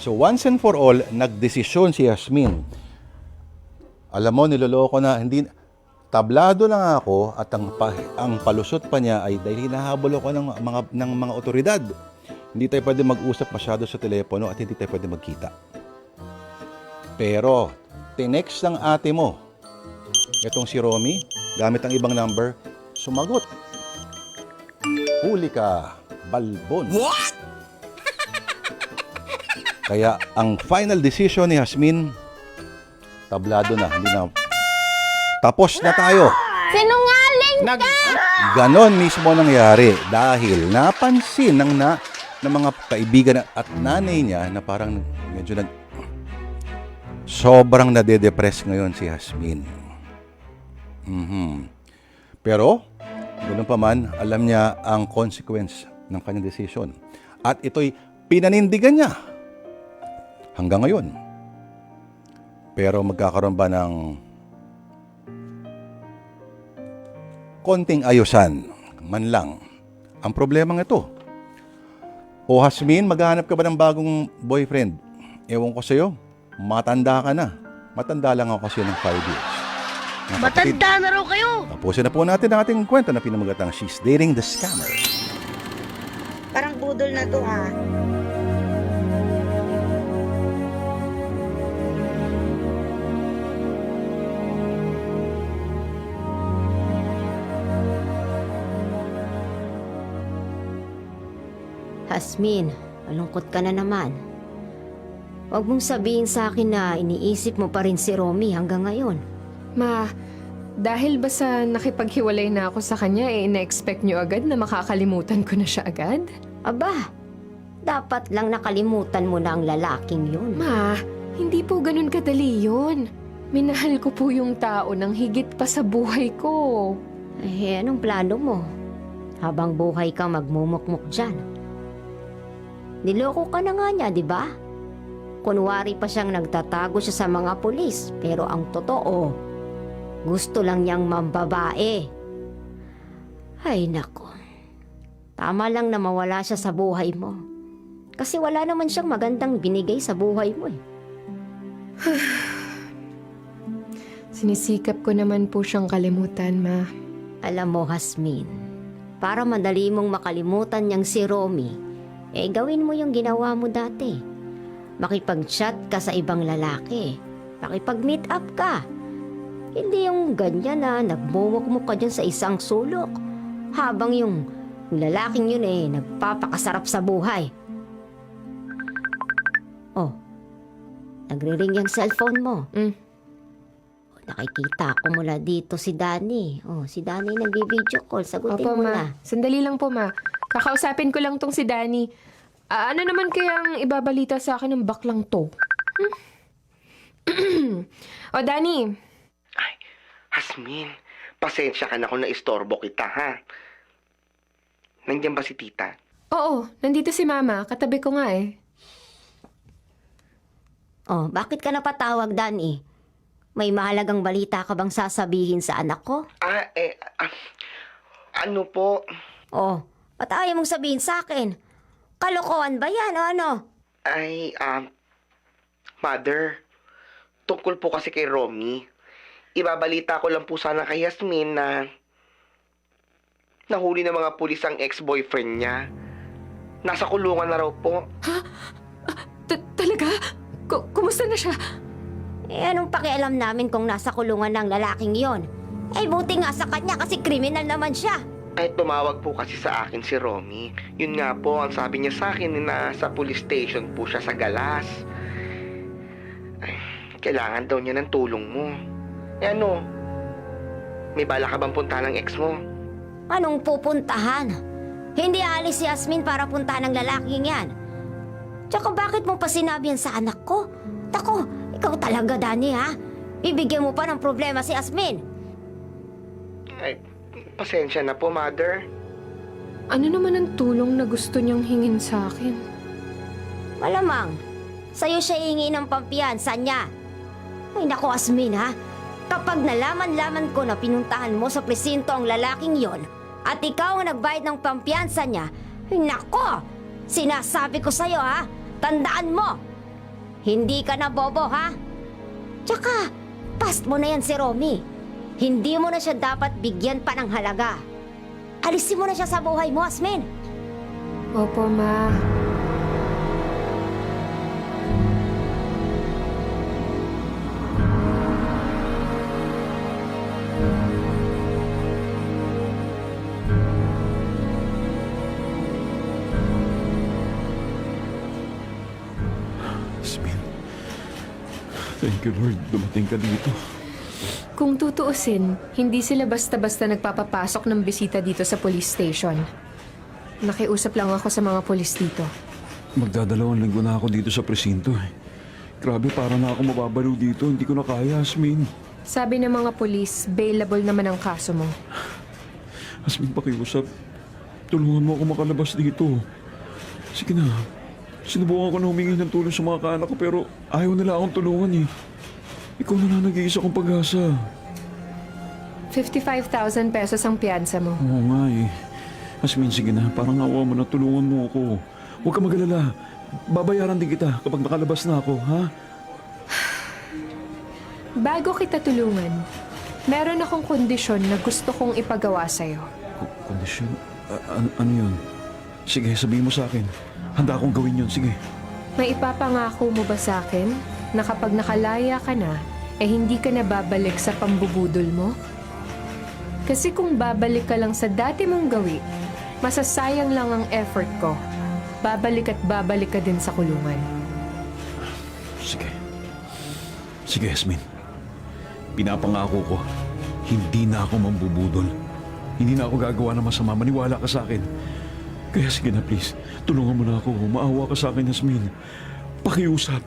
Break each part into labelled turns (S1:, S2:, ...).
S1: So once and for all, nagdesisyon si Yasmin. Alam mo, niloloko na, hindi, tablado lang ako at ang palusot pa niya ay dahil hinahabol ako ng mga otoridad. Hindi tayo pwede mag-usap masyado sa telepono at hindi tayo pwede magkita. Pero, tinext ng ate mo, itong si Romy, gamit ang ibang number, sumagot. Huli ka, balbon.
S2: What?
S1: Kaya ang final decision ni Yasmin, tablado na, hindi na. Tapos na tayo.
S3: Sinungaling ka!
S1: Ganon mismo nangyari dahil napansin ng mga kaibigan at nanay niya na parang medyo sobrang nade-depress ngayon si Yasmin. Pero, ganoon pa man, alam niya ang consequence ng kanyang decision. At ito'y pinanindigan niya hanggang ngayon. Pero magkakaroon ba ng konting ayusan man lang ang problema ng ito? O Yasmin, maghahanap ka ba ng bagong boyfriend? Ewan ko sa'yo, matanda ka na. Matanda lang ako kasi ng 5 years. Mga kapatid,
S3: Matanda na raw kayo!
S1: tapusin na po natin ang ating kwento na pinamagatang She's Dating the Scammer.
S4: Parang budol na to ha.
S5: Yasmin, malungkot ka na naman. Huwag mong sabihin sa akin na iniisip mo pa rin si Romy hanggang ngayon.
S6: Ma, dahil ba sa nakipaghiwalay na ako sa kanya, ina-expect niyo agad na makakalimutan ko na siya agad?
S5: Aba, dapat lang nakalimutan mo na ang lalaking yun.
S6: Ma, hindi po ganun kadali yun. Minahal ko po yung tao ng higit pa sa buhay ko.
S5: Eh, anong plano mo? Habang buhay kang magmumukmuk dyan. Niloko ka na nga niya, di ba? Kunwari pa siyang nagtatago siya sa mga pulis, pero ang totoo, gusto lang niyang mambabae. Ay nako, tama lang na mawala siya sa buhay mo. Kasi wala naman siyang magandang binigay sa buhay mo eh.
S6: Sinisikap ko naman po siyang kalimutan, Ma.
S5: Alam mo, Yasmin, para madali mong makalimutan niyang si Romy, gawin mo yung ginawa mo dati. Makipag-chat ka sa ibang lalaki. Makipag-meet up ka. Hindi yung ganyan na nagmumukmuk ka dyan sa isang sulok. Habang yung lalaking yun nagpapakasarap sa buhay. Oh, nagre-ring yung cellphone mo. Nakikita ko mula dito si Danny. Oh, si Danny nagbi-video call. Sagutin
S6: Opo,
S5: mo
S6: Ma.
S5: na.
S6: Sandali lang po, Ma. Kakausapin ko lang tong si Danny. Ano naman kayang ibabalita sa akin ng baklang to? O, Danny.
S2: Ay, Yasmin, pasensya ka na kung naistorbo kita, ha? Nandiyan ba si tita?
S6: Oo, nandito si Mama. Katabi ko nga eh.
S5: Oh, bakit ka napatawag, Danny? May mahalagang balita ka bang sasabihin sa anak ko?
S2: Ano po?
S5: Oh, ba't ayaw mong sabihin sa akin? Kalokohan ba yan o ano?
S2: Ay, Mother, tungkol po kasi kay Romy. Ibabalita ko lang po sana kay Yasmin na nahuli ng mga pulis ang ex-boyfriend niya. Nasa kulungan na raw po.
S6: Talaga? Kumusta na siya?
S5: Anong pakialam namin kung nasa kulungan ng lalaking yon? Buti nga sa kanya kasi kriminal naman siya.
S2: Ay, tumawag po kasi sa akin si Romy. Yun nga po, ang sabi niya sa akin na sa police station po siya sa Galas. Ay, kailangan daw niya ng tulong mo. Ano? May bala ka bang puntahan ng ex mo?
S5: Anong pupuntahan? Hindi alis si Yasmin para puntahan ng lalaking yan. Tsaka bakit mo pa sinabi yan sa anak ko? Tako, ikaw talaga, Danny, ha? Bibigyan mo pa ng problema si Yasmin.
S2: Ay, pasensya na po, Mother.
S6: Ano naman ang tulong na gusto niyang hingin sa akin?
S5: Malamang, sa'yo siya hihingi ng pampiyansa niya. Ay naku, Yasmin, ha? Kapag nalaman-laman ko na pinuntahan mo sa presinto ang lalaking yon at ikaw ang nagbayad ng pampiyansa niya, ay nako, sinasabi ko sa'yo, ha? Tandaan mo, Hindi ka na bobo, ha? Tsaka, past mo na yan si Romy. Hindi mo na siya dapat bigyan pa ng halaga. Alisin mo na siya sa buhay mo, Asmin.
S6: Opo, Ma.
S7: Yasmin, thank you Lord, dumating ka dito.
S6: Kung tutuusin, hindi sila basta-basta nagpapapasok ng bisita dito sa police station. Nakiusap lang ako sa mga polis dito.
S7: Magdadalawang linggo na ako dito sa presinto eh. Grabe, para na ako mababaliw dito. Hindi ko na kaya, Yasmin.
S6: Sabi ng mga polis, bailable naman ang kaso mo.
S7: Yasmin, pakiusap. Tulungan mo ako makalabas dito. Sige na. Sinubukan ko na humingi ng tulong sa mga kaanak ko pero ayaw nila akong tulungan eh. Ikaw na lang nag-iisa kong pag-asa.
S6: 55,000 pesos ang piyansa mo.
S7: Oo nga eh. Yasmin, sige na. Parang awa mo na, tulungan mo ako. Huwag ka mag-alala. Babayaran din kita kapag nakalabas na ako, ha?
S6: Bago kita tulungan, meron akong kondisyon na gusto kong ipagawa sa'yo.
S7: Kondisyon? Ano yun? Sige, sabihin mo sa akin. Handa akong gawin yun, sige.
S6: May ipapangako mo ba sa akin na kapag nakalaya ka na, hindi ka na babalik sa pambubudol mo? Kasi kung babalik ka lang sa dati mong gawi, masasayang lang ang effort ko. Babalik at babalik ka din sa kulungan.
S7: Sige. Sige, Yasmin. Pinapangako ko, hindi na ako mambubudol. Hindi na ako gagawa ng masama. Maniwala ka sa akin. Kaya sige na, please. Tulungan mo na ako. Maawa ka sa akin, Yasmin. Pakiusap.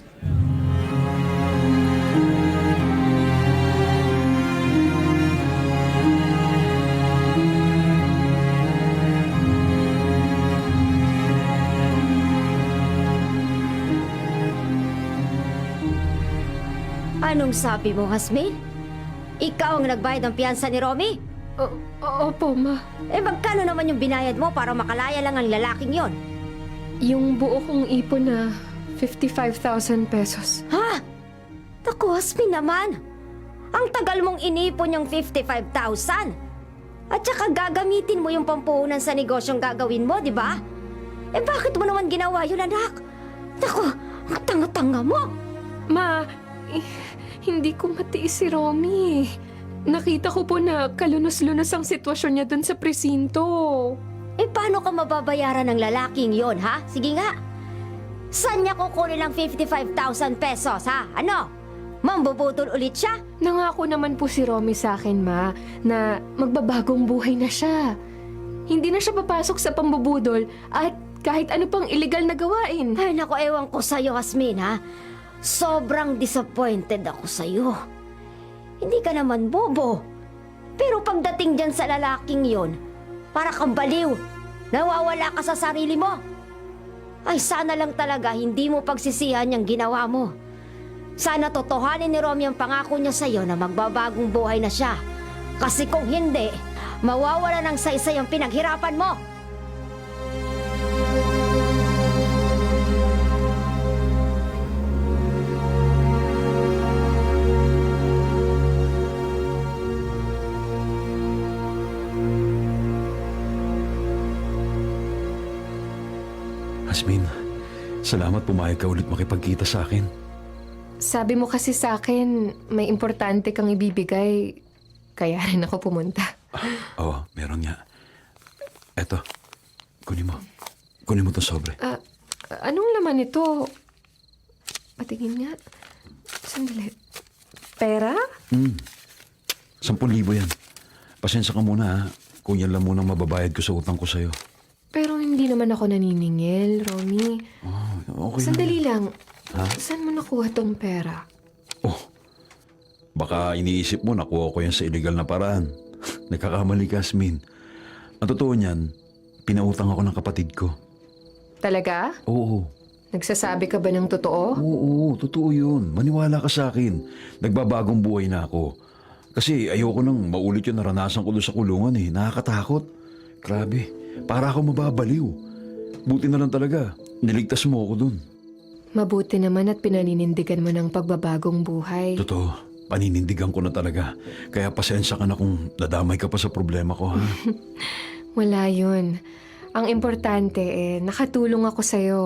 S5: Anong sabi mo, Asmin? Ikaw ang nagbayad ng piyansa ni Romy?
S6: Opo, Ma.
S5: Magkano naman yung binayad mo para makalaya lang ang lalaking yon?
S6: Yung buo kong ipon na 55,000 pesos.
S5: Ha? Naku, Asmin naman. Ang tagal mong inipon yung 55,000. At saka gagamitin mo yung pampuhunan sa negosyong gagawin mo, di ba? Bakit mo naman ginawa yun, anak? Naku, ang tanga-tanga mo.
S6: Ma, hindi ko matiis si Romy. Nakita ko po na kalunos-lunos ang sitwasyon niya dun sa presinto.
S5: Paano ka mababayaran ng lalaking yon, ha? Sige nga. Saan niya kukunin ang 55,000 pesos, ha? Ano? Mambubutol ulit siya?
S6: Nangako naman po si Romy sa akin, Ma, na magbabagong buhay na siya. Hindi na siya papasok sa pambubudol at kahit ano pang illegal na gawain.
S5: Ay, naku, ewan ko sa'yo, Asmin, ha? Sobrang disappointed ako sa'yo. Hindi ka naman bobo. Pero pagdating dyan sa lalaking yon, para kang baliw. Nawawala ka sa sarili mo. Ay, sana lang talaga hindi mo pagsisihan yung ginawa mo. Sana totohanin ni Romy ang pangako niya sa'yo na magbabagong buhay na siya. Kasi kung hindi, mawawala ng saysay ang pinaghirapan mo.
S7: Yasmin, salamat pumayag ka ulit makipagkita sa akin.
S6: Sabi mo kasi sa akin, may importante kang ibibigay, kaya rin ako pumunta.
S7: Oo, meron nga. Eto, kunin mo. Kunin mo to sobre.
S6: Anong laman ito? Patingin nga. Sandali. Pera?
S7: 10,000 yan. Pasensya ka muna ha, kung yan lang munang mababayad ko sa utang ko sa'yo.
S6: Pero hindi naman ako naniningil, Romy.
S7: Okay
S6: Sandali lang.
S7: Ha?
S6: Saan mo nakuha tong pera?
S7: Oh, baka iniisip mo nakuha ko yan sa illegal na paraan. Nagkakamali ka, Yasmin. Ang totoo niyan, pinautang ako ng kapatid ko.
S6: Talaga?
S7: Oo.
S6: Nagsasabi ka ba ng totoo?
S7: Oo, totoo yun. Maniwala ka sa akin. Nagbabagong buhay na ako. Kasi ayoko nang maulit yung naranasan ko doon sa kulungan eh. Nakakatakot. Grabe, para ako mababaliw. Buti na lang talaga, niligtas mo ako doon.
S6: Mabuti naman at pinaninindigan mo ng pagbabagong buhay.
S7: Totoo, paninindigan ko na talaga. Kaya pasensya ka na kung nadamay ka pa sa problema ko, ha?
S6: Wala yun. Ang importante nakatulong ako sa'yo.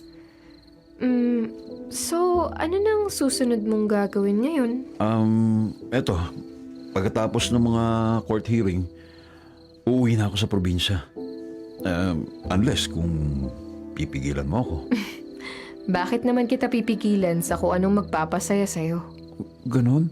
S6: So, ano nang susunod mong gagawin ngayon?
S7: Eto, pagkatapos ng mga court hearing, uuwi na ako sa probinsya. Unless kung pipigilan mo ako.
S6: Bakit naman kita pipigilan sa kung anong magpapasaya sa'yo?
S7: Ganon?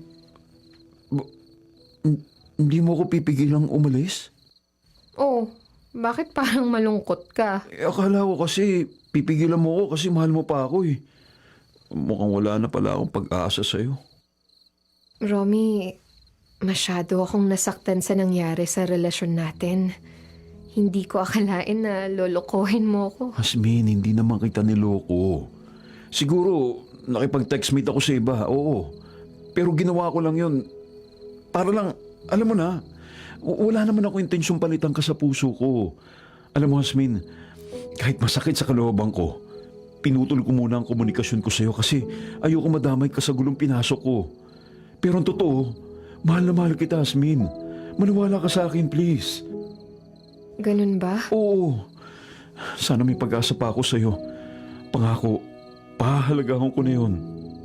S7: Hindi mo ako pipigilang umalis?
S6: Oh, bakit parang malungkot ka?
S7: Akala ko kasi pipigilan mo ako kasi mahal mo pa ako eh. Mukhang wala na pala akong pag-asa sa'yo.
S6: Romy, masyado akong nasaktan sa nangyari sa relasyon natin. Hindi ko akalain na lolokohin mo ako.
S7: Hasmin, hindi naman kita niloko. Siguro, nakipag-textmate ako sa iba, oo. Pero ginawa ko lang yun. Para lang, alam mo na, wala naman ako intensyong palitan ka sa puso ko. Alam mo, Hasmin, kahit masakit sa kalooban ko, pinutol ko muna ang komunikasyon ko sa'yo kasi ayoko madamay ka sa gulong pinasok ko. Pero ang totoo, mahal na mahal kita, Hasmin. Maniwala ka sa akin, please.
S6: Ganun ba?
S7: Oo. Sana may pag-asa pa ako sa'yo. Pangako, pahahalagahan ko na yun.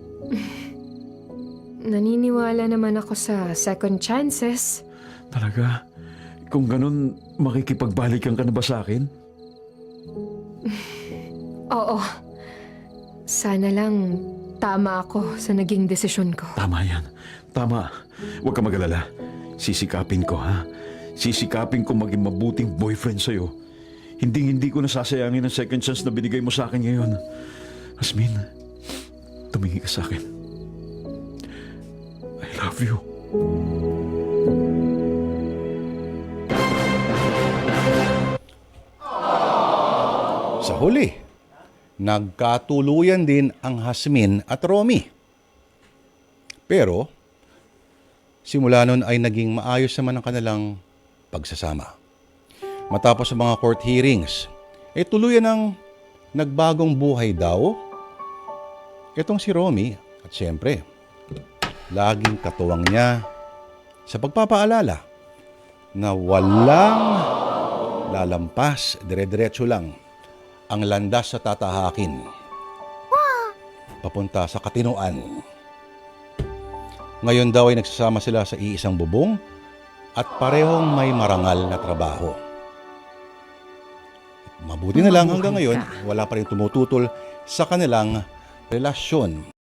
S6: Naniniwala naman ako sa second chances.
S7: Talaga? Kung ganun, makikipagbalikan ka na ba sa akin?
S6: Oo. Sana lang tama ako sa naging desisyon ko.
S7: Tama yan. Tama. Huwag ka mag-alala. Sisikapin ko, ha? Sisikapin ko maging mabuting boyfriend sa'yo. Hindi ko nasasayangin ang second chance na binigay mo sa akin ngayon. Hasmin, tumingin ka sa akin. I love you.
S1: Sa huli, nagkatuluyan din ang Hasmin at Romy. Pero, simula nun ay naging maayos naman ang kanilang pagsasama. Matapos ang mga court hearings, tuluyan ang nagbagong buhay daw itong si Romy at siyempre, laging katuwang niya sa pagpapaalala na walang lalampas, dire-diretso lang ang landas sa tatahakin papunta sa katinuan. Ngayon daw ay nagsasama sila sa iisang bubong at parehong may marangal na trabaho. Mabuti na lang hanggang ngayon, wala pa rin tumututol sa kanilang relasyon.